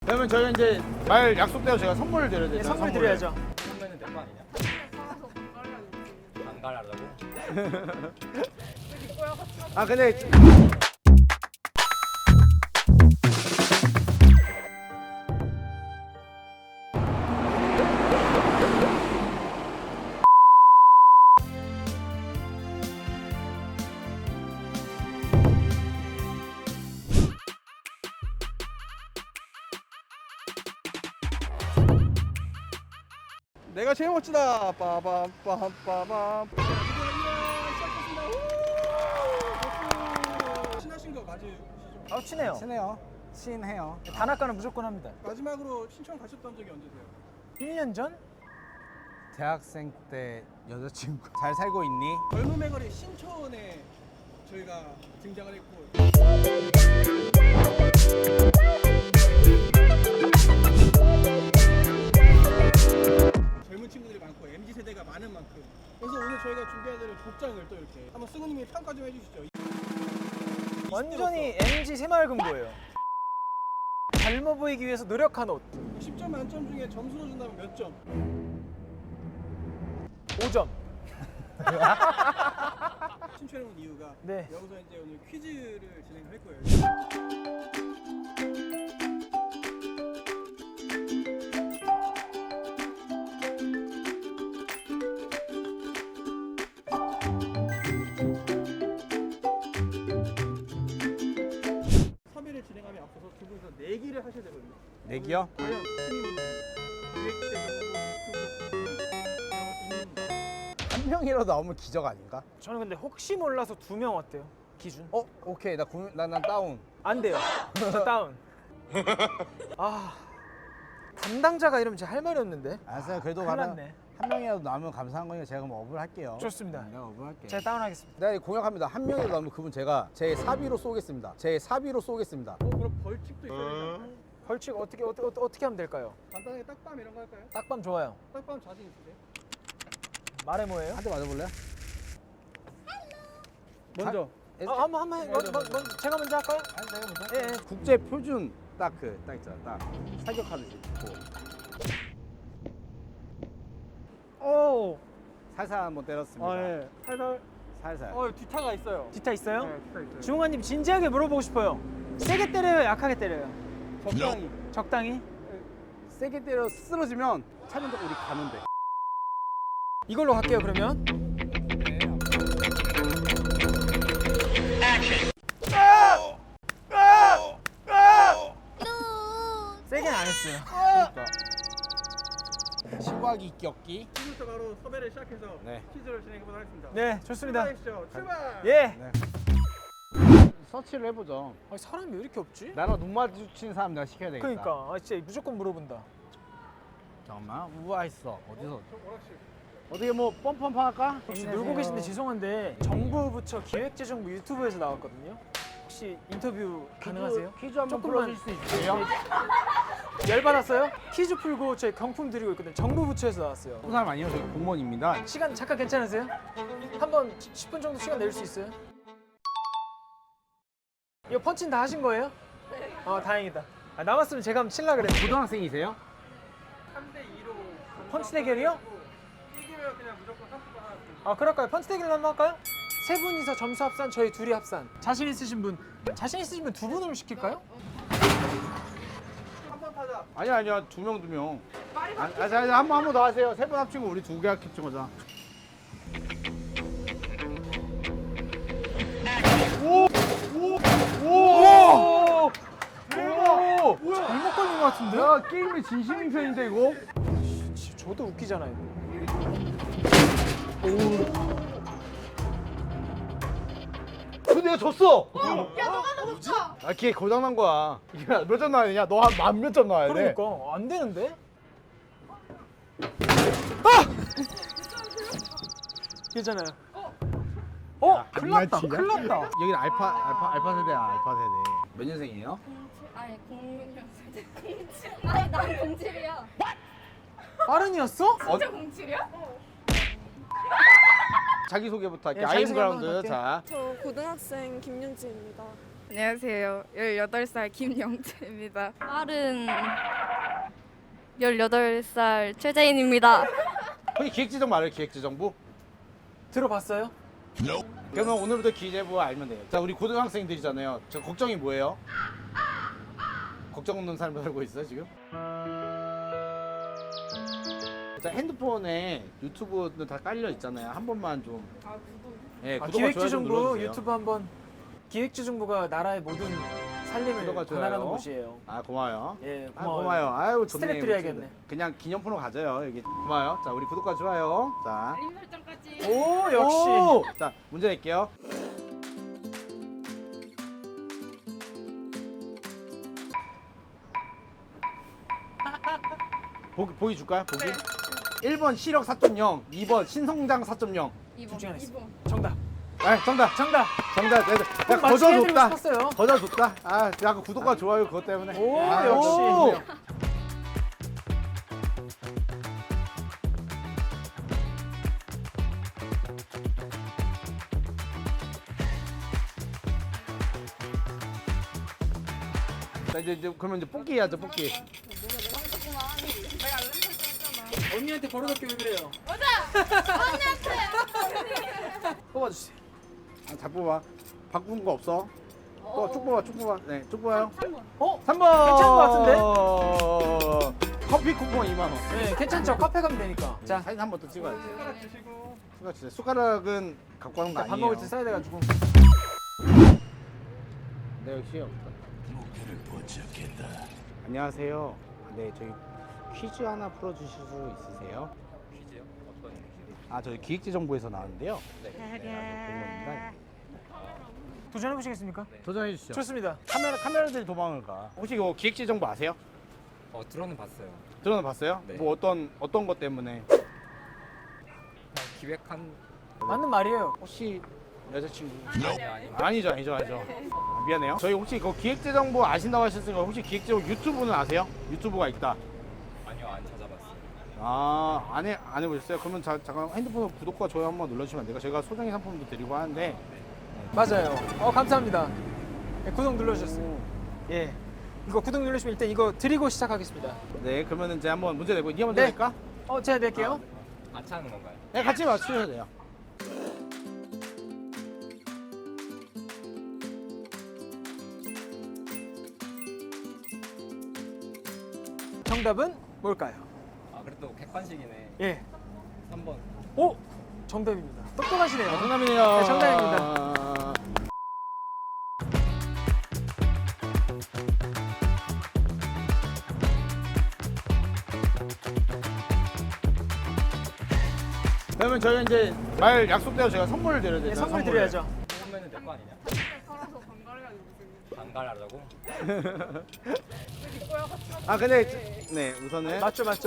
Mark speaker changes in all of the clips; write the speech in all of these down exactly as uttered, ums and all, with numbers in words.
Speaker 1: 그러면 저희가 이제 말 약속대로 제가 선물을 드려야
Speaker 2: 네,
Speaker 1: 되죠.
Speaker 2: 선물 드려야죠.
Speaker 3: 선배는 내 거 아니냐? 안 가려고?
Speaker 1: 아 근데 내가 제일 멋지다. 빠밤 빠밤 빠밤.
Speaker 4: 친하신 거 맞으시죠?
Speaker 2: 아 친해요.
Speaker 1: 친해요. 친해요.
Speaker 2: 단학가는 무조건 합니다.
Speaker 4: 마지막으로 신청 가셨던 적이 언제세요?
Speaker 2: 일 년 전?
Speaker 1: 대학생 때 여자친구 잘 살고 있니?
Speaker 4: 젊음의 거리 신촌에 저희가 등장을 했고 젊은 친구들이 많고 엠지 세대가 많은 만큼 그래서 오늘 저희가 준비한 대로 복장을 또 이렇게 한번 승우님이 평가 좀 해주시죠.
Speaker 2: 완전히 엠지 새마을금고예요. 젊어 보이기 위해서 노력한 옷.
Speaker 4: 십 점 만점 중에 점수로 준다면 몇 점?
Speaker 2: 오 점.
Speaker 4: 신촌에 온 이유가
Speaker 2: 네.
Speaker 4: 여기서 이제 오늘 퀴즈를 진행할 거예요. 섭외를 진행하며 앞서서 두 분이서 내기를 하셔야 되거든요.
Speaker 1: 내기요?
Speaker 4: 과연 팀이 기획되고
Speaker 1: 한 명이라도 나오면 기적 아닌가?
Speaker 2: 저는 근데 혹시 몰라서 두 명 어때요? 기준?
Speaker 1: 어 오케이 나 고민 나난 다운.
Speaker 2: 안 돼요. 저 다운. 아 담당자가 이러면 제가 할 말이 없는데.
Speaker 1: 알았어요. 그래도
Speaker 2: 큰일
Speaker 1: 가면
Speaker 2: 났네.
Speaker 1: 한 명이라도 나오면 감사한 거니까 제가 그럼 업을 할게요.
Speaker 2: 좋습니다.
Speaker 1: 내가 업을 할게.
Speaker 2: 제가 다운하겠습니다.
Speaker 1: 네 공약합니다. 한 명이라도 나오면 그분 제가 제 사비로 쏘겠습니다. 제 사비로 쏘겠습니다.
Speaker 4: 어, 그럼 벌칙도 있어야 되나요?
Speaker 2: 벌칙 어떻게 어떻게 어떻게 하면 될까요?
Speaker 4: 간단하게 딱밤 이런 거 할까요?
Speaker 2: 딱밤 좋아요.
Speaker 4: 딱밤 자신 있으세요?
Speaker 2: 말해 뭐예요?
Speaker 1: 한 대 맞아볼래요?
Speaker 4: 먼저
Speaker 2: 아, 한번 한번 해. 먼저, 먼저 제가 먼저 할까요?
Speaker 1: 아니 내가 먼저.
Speaker 2: 예, 예.
Speaker 1: 국제 표준 딱 그 딱 있잖아. 딱 사격하듯이. 고
Speaker 2: 오.
Speaker 1: 살살 한번 때렸습니다.
Speaker 4: 아 예. 살살.
Speaker 1: 살살.
Speaker 4: 어 뒤타가 있어요.
Speaker 2: 뒤타 있어요?
Speaker 4: 네, 뒤타 있어요.
Speaker 2: 주홍아님 진지하게 물어보고 싶어요. 세게 때려요, 약하게 때려요?
Speaker 4: 적당히.
Speaker 2: 적당히?
Speaker 1: 세게 때려 쓰러지면 차는 데 우리 가면 돼.
Speaker 2: 이걸로 갈게요 그러면. 세게는 안 했어요.
Speaker 1: 그러니까. 시화기 격기.
Speaker 4: 지금부터 바로 섭외를 시작해서
Speaker 1: 네.
Speaker 4: 퀴즈를 진행해보도록 하겠습니다.
Speaker 2: 네, 좋습니다.
Speaker 4: 출발하시죠. 출발.
Speaker 2: 예.
Speaker 1: 네. 서치를 해보죠.
Speaker 2: 아니, 사람이 왜 이렇게 없지?
Speaker 1: 나랑 눈 마주치는 사람 내가 시켜야 되겠다.
Speaker 2: 그러니까 아, 진짜 무조건 물어본다.
Speaker 1: 잠깐만. 우와 있어. 어디서?
Speaker 4: 저 오락실.
Speaker 1: 어떻게 뭐 뻔뻔 할까?
Speaker 2: 혹시 놀고 계신데 죄송한데 정부 부처 기획재정부 유튜브에서 나왔거든요. 혹시 인터뷰 가능하세요?
Speaker 1: 퀴즈 한번
Speaker 2: 조금만.
Speaker 1: 풀어줄 수 있어요?
Speaker 2: 열 받았어요? 퀴즈 풀고 저희 경품 드리고 있거든요. 정부 부처에서 나왔어요.
Speaker 1: 그 사람 아니에요. 저희 공무원입니다.
Speaker 2: 시간 잠깐 괜찮으세요? 한번 십 분 정도 시간 낼 수 있어요? 이거 펀치는 다 하신 거예요? 네. 어 다행이다. 아, 남았으면 제가 한번 칠라 그랬는데.
Speaker 1: 고등학생이세요?
Speaker 4: 삼 대 이로.
Speaker 2: 펀치 대결이요?
Speaker 4: 이기면 그냥 무조건 상품 하나.
Speaker 2: 아 그럴까요? 펀치 대결 한번 할까요? 세 분이서 점수 합산, 저희 둘이 합산. 자신 있으신 분, 자신 있으신 분 두 분으로 시킬까요?
Speaker 4: 한번 타자.
Speaker 1: 아니야 아니야 두 명 두 명. 아, 아, 자, 자, 한번 한 번 더 하세요. 세 번 합치고 우리 두 개 합친 거자. 오! 오! 오! 오! 대박! 뭐야?
Speaker 2: 잘못 걸린 것 같은데?
Speaker 1: 야 게임의 진심인 편인데 이거?
Speaker 2: 지- 저도 웃기잖아요.
Speaker 1: 근데 내가 졌어.
Speaker 5: 야 너가 더 좋다.
Speaker 1: 아, 걔 고장난 거야. 이게 몇 점 나야 되냐? 너 한 만 몇 점 나야 돼.
Speaker 2: 그러니까 안 되는데? 괜찮아요. 어?
Speaker 1: 야,
Speaker 2: 큰일 났다.
Speaker 1: 장난치냐?
Speaker 2: 큰일 났다.
Speaker 1: 여기는 알파 알파 알파 세대야. 알파 세대. 몇 년생이에요?
Speaker 5: 아니 공칠 공칠. 아니 난 공칠이야.
Speaker 2: 빠른이었어?
Speaker 5: 진짜 공칠이야?
Speaker 1: 자기 소개부터 할게.
Speaker 2: 네, 자기소개 한번
Speaker 1: 아임그라운드.
Speaker 2: 할게요.
Speaker 1: 자.
Speaker 6: 저 고등학생 김윤지입니다.
Speaker 5: 안녕하세요. 열여덟 살 김영채입니다. 빠른 열여덟 살 최재인입니다.
Speaker 1: 혹시 기획재정부 알아요? 기획재정부?
Speaker 2: 들어봤어요?
Speaker 1: 그러면 오늘부터 기재부 알면 돼요. 자, 우리 고등학생들이잖아요. 저 걱정이 뭐예요? 걱정 없는 삶을 살고 있어요 지금? 자, 핸드폰에 유튜브는 다 깔려 있잖아요. 한 번만 좀. 예,
Speaker 2: 아,
Speaker 1: 구독과 좋아요 좀
Speaker 2: 기획재정부
Speaker 1: 눌러주세요.
Speaker 2: 유튜브 한번. 기획재정부가 나라의 모든 살림을
Speaker 1: 구독과 좋아요.
Speaker 2: 관할하는 곳이에요.
Speaker 1: 아, 고마워요.
Speaker 2: 예,
Speaker 1: 아,
Speaker 2: 고마워요.
Speaker 1: 고마워요. 아유, 좋네.
Speaker 2: 스트랩 드려야겠네.
Speaker 1: 그냥 기념품으로 가져요. 여기 고마워요. 자, 우리 구독과 좋아요. 자,
Speaker 5: 알림 설정까지.
Speaker 2: 오 역시.
Speaker 1: 오! 자, 문제 낼게요. 보기, 보기 줄까요? 보기? 일 번 시력 사 점 영, 이 번 신성장 사 점 영.
Speaker 2: 둘 중에 하나 있어.
Speaker 5: 이 번.
Speaker 2: 정답.
Speaker 1: 아, 정답.
Speaker 2: 정답.
Speaker 1: 정답. 내가
Speaker 2: 꼭
Speaker 1: 내가
Speaker 2: 맞추게
Speaker 1: 거저
Speaker 2: 해드리고
Speaker 1: 줬다.
Speaker 2: 싶었어요.
Speaker 1: 거저 줬다. 아, 약간 구독과 좋아요 그것 때문에.
Speaker 2: 오,
Speaker 1: 아,
Speaker 2: 역시.
Speaker 1: 오! 자, 이제, 이제 그러면 이제 뽑기 해야죠, 뽑기.
Speaker 2: 언니한테 버릇없게 왜 그래요? 뽑아주세요.
Speaker 1: 아, 잘 뽑아. 바꾸는 거 없어. 또 쭉 뽑아, 쭉 뽑아. 네, 쭉 뽑아요.
Speaker 5: 삼 번.
Speaker 2: 어?
Speaker 1: 삼 번.
Speaker 2: 괜찮은 것
Speaker 1: 같은데? 커피 쿠폰 이만 원.
Speaker 2: 네, 괜찮죠. 카페 가면 되니까. 자,
Speaker 1: 사진 한 번 더 찍어야지.
Speaker 4: 숟가락 주시고.
Speaker 1: 숟가락 주세요. 숟가락은 갖고 가는 거
Speaker 2: 밥
Speaker 1: 아니에요.
Speaker 2: 먹을 때 써야 돼가지고.
Speaker 1: 네, 역시 없다. 안녕하세요. 네, 저희 퀴즈 하나 풀어주실 수 있으세요?
Speaker 3: 퀴즈요? 어떤 퀴즈?
Speaker 1: 아, 저희 기획재정부에서 나왔는데요. 네, 공무원입니다.
Speaker 2: 도전해 보시겠습니까?
Speaker 1: 도전해 주시죠.
Speaker 2: 좋습니다.
Speaker 1: 카메라 카메라들이 도망을 가. 혹시 이거 기획재정부 아세요?
Speaker 3: 어 들어는 봤어요.
Speaker 1: 들어는 봤어요?
Speaker 3: 네.
Speaker 1: 뭐 어떤 어떤 것 때문에?
Speaker 3: 그냥 기획한
Speaker 2: 맞는 말이에요.
Speaker 1: 혹시 여자친구?
Speaker 3: 아니 아니.
Speaker 1: 아니죠, 아니죠, 아니죠. 아, 미안해요. 저희 혹시 그 기획재정부 아신다고 하셨으니까 혹시 기획재정부 유튜브는 아세요? 유튜브가 있다.
Speaker 3: 아니요 안 찾아봤어요.
Speaker 1: 아, 안 해, 안 해보셨어요? 그러면 자, 잠깐 핸드폰 구독과 좋아요 한번 눌러주시면 안 돼요? 제가 소정의 상품도 드리고 하는데.
Speaker 2: 맞아요. 어 감사합니다. 네, 구독 눌러주셨어요. 예. 이거 구독 누르시면 일단 이거 드리고 시작하겠습니다.
Speaker 1: 네, 그러면 이제 한번 문제 내고 니 먼저
Speaker 2: 네.
Speaker 1: 낼까?
Speaker 2: 어 제가 낼게요.
Speaker 3: 같이 하는 건가요?
Speaker 1: 네, 같이 맞추셔도 돼요.
Speaker 2: 정답은 뭘까요?
Speaker 3: 아 그래도 객관식이네.
Speaker 2: 예.
Speaker 3: 삼 번.
Speaker 2: 오 정답입니다. 똑똑하시네요.
Speaker 1: 아, 정답이네요.
Speaker 2: 네, 정답입니다.
Speaker 1: 그러면 저희 이제 말 약속대로 제가 선물을 드려야 돼요.
Speaker 2: 네, 선물 드려야죠.
Speaker 3: 뽑으면 될 거 아니냐?
Speaker 5: 살아서 반갈해가지고 지금.
Speaker 3: 반갈하자고?
Speaker 1: 아, 근데 저- 네, 우선은
Speaker 2: 맞죠 맞죠.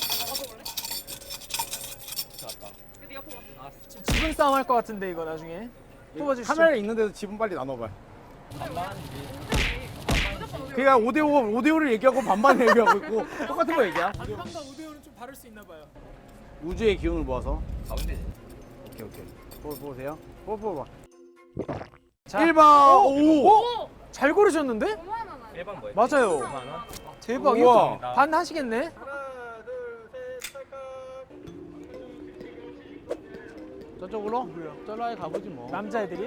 Speaker 3: 좋았다.
Speaker 5: 네가 뽑았어.
Speaker 3: 아
Speaker 2: 지분 싸움 할 것 같은데 이거 나중에 뽑아주시죠.
Speaker 1: 카메라 있는데도 지분 빨리 나눠봐요.
Speaker 3: 반반이지.
Speaker 1: 그냥 오 대 오, 오 대 오를 얘기하고 반반 얘기하고 있고 똑같은 거 얘기야.
Speaker 2: 반반과 우대호는 좀 다를 수 있나 봐요.
Speaker 1: 우주의 기운을 모아서.
Speaker 3: 가운데지.
Speaker 1: 오케이, 오케이. 뽑아 보세요. 뽑아 뽑아.
Speaker 2: 자,
Speaker 1: 일 번. 오.
Speaker 2: 오! 잘 고르셨는데?
Speaker 5: 오만 원 아니야?
Speaker 3: 일 번 뭐였지?
Speaker 2: 맞아요.
Speaker 3: 오만 원?
Speaker 2: 대박.
Speaker 1: 우와.
Speaker 2: 이거 반 하시겠네?
Speaker 4: 하나, 둘, 셋, 찰칵.
Speaker 1: 저쪽으로? 저로 아예 가보지 뭐.
Speaker 2: 남자애들이요?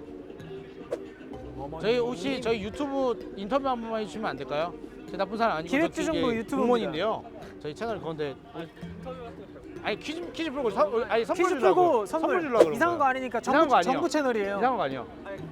Speaker 1: 저희 혹시 저희 유튜브 인터뷰 한 번만 해주시면 안 될까요? 제 나쁜 사람 아니고
Speaker 2: 기획재정부
Speaker 1: 저 뒤에
Speaker 2: 유튜브입니다.
Speaker 1: 공무원인데요. 저희 채널 그건데 아니 퀴즈 퀴즈 풀고 선, 아니 선물
Speaker 2: 퀴즈
Speaker 1: 주려고
Speaker 2: 풀고 선물,
Speaker 1: 주려고 그런
Speaker 2: 이상한 거
Speaker 1: 거예요.
Speaker 2: 아니니까
Speaker 1: 이상한
Speaker 2: 정부,
Speaker 1: 거 아니에요.
Speaker 2: 정부 채널이에요.
Speaker 1: 이상한 거 아니요.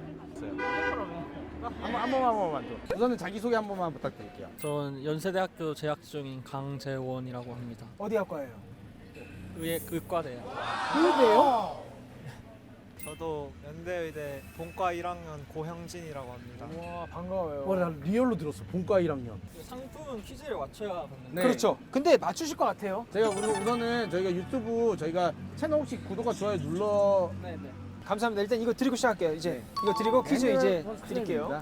Speaker 1: 한번 한 번만 한 번만 좀. 우선은 자기 소개 한 번만 부탁드릴게요.
Speaker 6: 전 연세대학교 재학 중인 강재원이라고 합니다.
Speaker 2: 어디 학과예요?
Speaker 6: 의예 의과대요.
Speaker 2: 의대요?
Speaker 7: 저도 연대의대 본과 일 학년 고형진이라고 합니다.
Speaker 2: 와 반가워요.
Speaker 1: 와, 나 리얼로 들었어. 본과 일 학년.
Speaker 6: 상품은 퀴즈를 맞춰야 받는데.
Speaker 1: 네.
Speaker 2: 그렇죠. 근데 맞추실 것 같아요.
Speaker 1: 제가 우선- 우선은 저희가 유튜브 저희가 채널 혹시 구독과 좋아요 눌러
Speaker 2: 감사합니다. 일단 이거 드리고 시작할게요. 이제 이거 드리고 퀴즈 이제 드릴게요.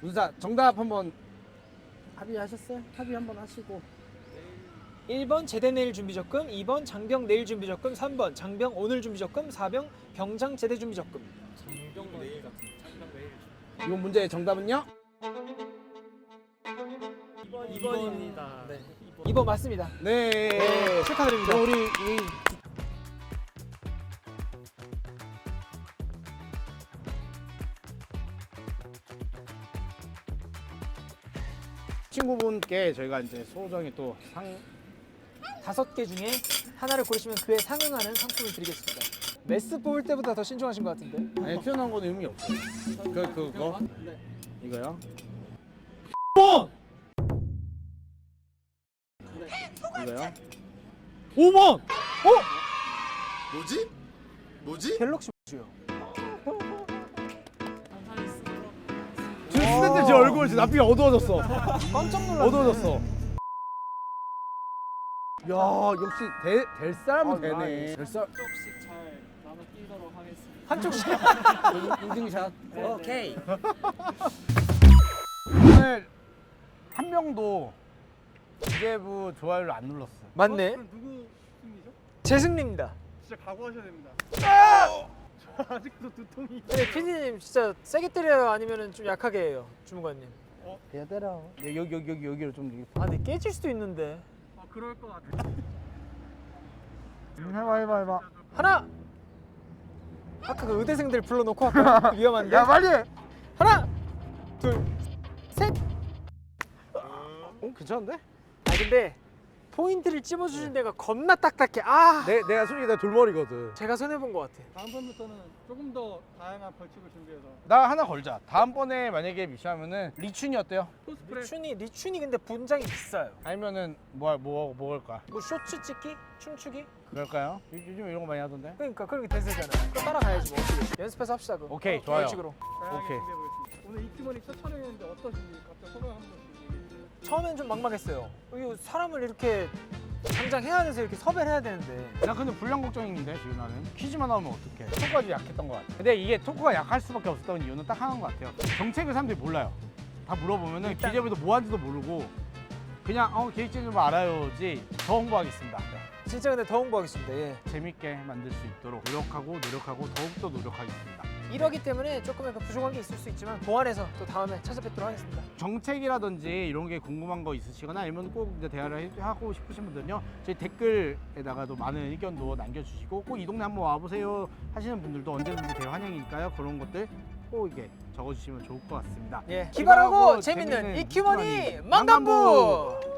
Speaker 1: 문사 정답 한번 합의하셨어요? 합의 한번 하시고.
Speaker 2: 일 번 제대 내일 준비 적금, 이 번 장병 내일 준비 적금, 삼 번 장병 오늘 준비 적금, 사 번 병장 제대 준비 적금.
Speaker 3: 장병 내일 같은. 장병 내일.
Speaker 1: 이번 문제의 정답은요?
Speaker 2: 이 번입니다. 네. 이 번 맞습니다.
Speaker 1: 네.
Speaker 2: 네, 축하드립니다.
Speaker 1: 그럼 우리 이 친구분께 저희가 이제 소정이 또 상
Speaker 2: 다섯 개 중에 하나를 고르시면 그에 상응하는 상품을 드리겠습니다. 메스 뽑을 때보다 더 신중하신 것 같은데.
Speaker 1: 아니 튀어나온 거는 의미 없어요. 그 그거
Speaker 2: 네.
Speaker 1: 이거요. 이거요.
Speaker 2: 오 번.
Speaker 8: 뭐지? 뭐지?
Speaker 2: 갤럭시 주요.
Speaker 1: 지금 스탠드 제 얼굴 지금 앞이 어두워졌어.
Speaker 2: 깜짝 놀랐네.
Speaker 1: 어두워졌어. 야 역시 대, 될 사람은
Speaker 2: 아,
Speaker 1: 되네. 될 사람.
Speaker 3: 조금씩 잘 나눠 끼도록 하겠습니다.
Speaker 2: 한쪽씩.
Speaker 1: 인증샷.
Speaker 3: 오케이.
Speaker 1: 오늘 한 명도 기재부 좋아요를 안 눌렀어.
Speaker 2: 맞네.
Speaker 4: 그럼 누구 승리죠?
Speaker 2: 제 승리입니다.
Speaker 4: 진짜 각오하셔야 됩니다. 저 아직도 두통이.
Speaker 2: 네, 피디님 진짜 세게 때려요, 아니면은 좀 약하게 해요, 주무관님.
Speaker 1: 야 때려. 여기 여기 여기 여기로 좀.
Speaker 2: 아, 근데 깨질 수도 있는데.
Speaker 4: 아 그럴 것 같아.
Speaker 1: 해봐 해봐 해봐.
Speaker 2: 하나. 아까 그 의대생들 불러놓고 할까요? 위험한데.
Speaker 1: 야 빨리. 해.
Speaker 2: 하나, 둘, 셋.
Speaker 1: 어 괜찮은데?
Speaker 2: 아 근데 포인트를 찝어주신 데가 겁나 딱딱해. 아.
Speaker 1: 내 내가 솔직히 내 돌머리거든.
Speaker 2: 제가 손해 본 것 같아.
Speaker 4: 다음번부터는 조금 더 다양한 벌칙을 준비해서
Speaker 1: 나 하나 걸자. 다음번에 만약에 미션하면은 리춘이 어때요?
Speaker 4: 코스프레.
Speaker 2: 리춘이 리춘이 근데 분장이 비싸요.
Speaker 1: 아니면은 뭐뭐 뭐 걸까?
Speaker 2: 뭐 쇼츠 찍기, 춤추기.
Speaker 1: 그럴까요? 요- 요즘 이런 거 많이 하던데.
Speaker 2: 그러니까 그런 게 대세잖아요. 그거 따라가야지 뭐 어떻게. 연습해서 합시다 그거.
Speaker 1: 오케이,
Speaker 2: 어,
Speaker 1: 좋아요.
Speaker 2: 벌칙으로.
Speaker 4: 다양하게
Speaker 1: 오케이.
Speaker 4: 준비해 보겠습니다. 오늘 이팀원이 첫 촬영했는데 어떠신지 각자 소감 한 번씩.
Speaker 2: 처음엔 좀 막막했어요. 이거 사람을 이렇게 당장 해야 돼서 이렇게 섭외를 해야 되는데.
Speaker 1: 나 근데 불량 걱정인데 지금 나는 퀴즈만 나오면 어떡해. 토크가 좀 약했던 것 같아. 근데 이게 토크가 약할 수밖에 없었던 이유는 딱 하나인 것 같아요. 정책을 사람들이 몰라요. 다 물어보면은
Speaker 2: 일단-
Speaker 1: 기재부도 뭐 하는지도 모르고 그냥 어 계획진 좀 알아요지. 더 홍보하겠습니다. 네.
Speaker 2: 진짜 근데 더 홍보하겠습니다. 예.
Speaker 1: 재밌게 만들 수 있도록 노력하고 노력하고 더욱더 노력하겠습니다.
Speaker 2: 이러기 때문에 조금 약간 부족한 게 있을 수 있지만 보완해서 또 다음에 찾아뵙도록 하겠습니다.
Speaker 1: 정책이라든지 이런 게 궁금한 거 있으시거나 아니면 꼭 이제 대화를 해- 하고 싶으신 분들은요 저희 댓글에다가도 많은 의견도 남겨주시고 꼭 이 동네 한번 와보세요 하시는 분들도 언제든지 대화 환영이니까요. 그런 것들 꼭 이게 적어주시면 좋을 것 같습니다.
Speaker 2: 예. 기발하고
Speaker 1: 기발하고
Speaker 2: 재밌는
Speaker 1: 재밌는
Speaker 2: 이큐머니
Speaker 1: 이큐머니
Speaker 2: 망간부.